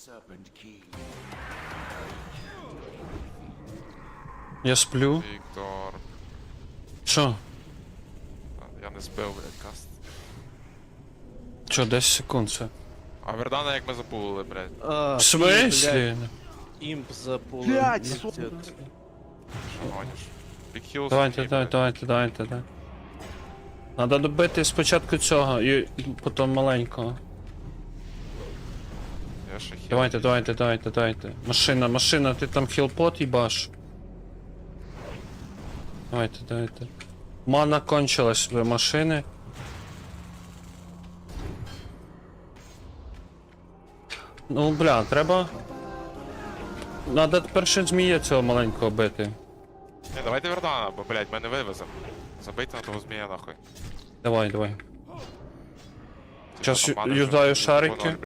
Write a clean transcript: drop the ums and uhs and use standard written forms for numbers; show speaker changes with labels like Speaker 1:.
Speaker 1: Я сплю.
Speaker 2: Віктор.
Speaker 1: Що?
Speaker 2: Я не збив, блядь, каст.
Speaker 1: Що, 10 секунд це?
Speaker 2: А Вердана як ми запулили, блядь.
Speaker 1: В смислі?
Speaker 3: Імп запулив.
Speaker 4: Блядь,
Speaker 3: Пиздец.
Speaker 2: Що гониш? Big Hills.
Speaker 1: Давайте. Надо добити спочатку цього і потім маленького.
Speaker 2: Я ще хіл.
Speaker 1: Давайте. Машина, ти там хілпот їбаш. Давайте. Мана кончилась в машини. Ну, бля, треба... Надо перше змія цього маленького бити.
Speaker 2: Ні, давайте Вердана, бо, блядь, ми не вивеземо. Забийте на того змія нахуй.
Speaker 1: Давай. Зараз
Speaker 2: Там мани
Speaker 1: юзаю
Speaker 2: вже
Speaker 1: шарики.